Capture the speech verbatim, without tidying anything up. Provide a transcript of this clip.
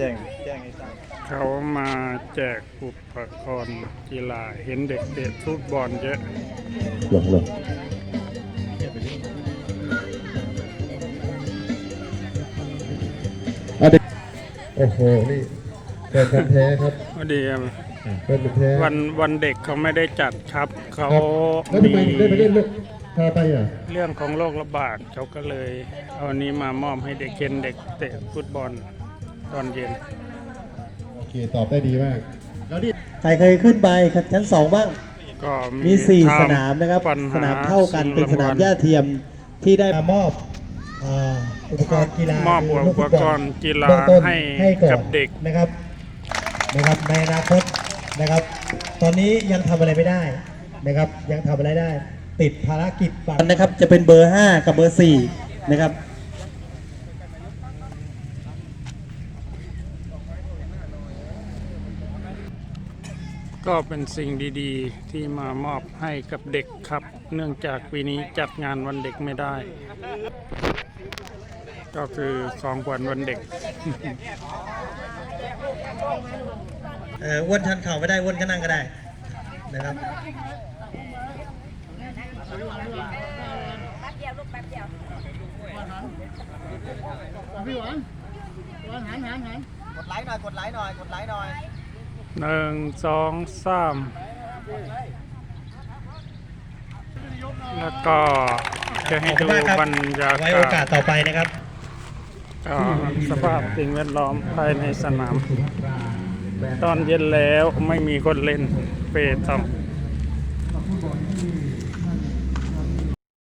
จ้งแจ้งให้ทราบเขามาแจกอุปกรณ์กีฬาเห็นเด็กเตะฟุตบอลเยอะหลงหลงโอ้โหนี่แฟนพันธุ์แท้ครับพอดีแฟนพันธุ์แท้วันวันเด็กเขาไม่ได้จัดครับเขาแล้วทำไมได้ไปเล่นลูกพาไปอ่ะเรื่องของโรคระบาดเขาก็เลยเอาอันนี้มามอบให้เด็กเคนเด็กเตะฟุตบอลตอนเย็นโอเคตอบได้ดีมากแล้วนี่ใครเคยขึ้นไปชั้นสองบ้างก็มีสี่สนามนะครับสนามเท่ากันเป็นสนามหญ้าเทียมที่ได้มอบอุปกรณ์กีฬามอบอุปกรณ์กีฬาให้กับเด็กนะครับนะครับในอนาคตนะครับ ตอนนี้ยังทำอะไรไม่ได้นะครับยังทำอะไรได้ติดภารกิจบัตรนะครับจะเป็นเบอร์ห้ากับเบอร์สี่นะครับก็เป็นสิ่งดีๆที่มามอบให้กับเด็กครับเนื่องจากปีนี้จัดงานวันเด็กไม่ได้ก็คือของขวัญวันเด็กเอออ้วนชันเข่าไม่ได้อ้วนก็นั่งก็ได้นะครับแป๊บเดียวลูกแป๊บเดียวพี่หวานหวานหันหันหันกดไลค์หน่อยกดไลค์หน่อยกดไลค์หน่อยหนึ่งสองสามแล้วก็จะให้ดูบรรยากาศไว้โอกาสต่อไปนะครับก็สภาพสิ่งแวดล้อมภายในสนามตอนเย็นแล้วไม่มีคนเล่นเปตอง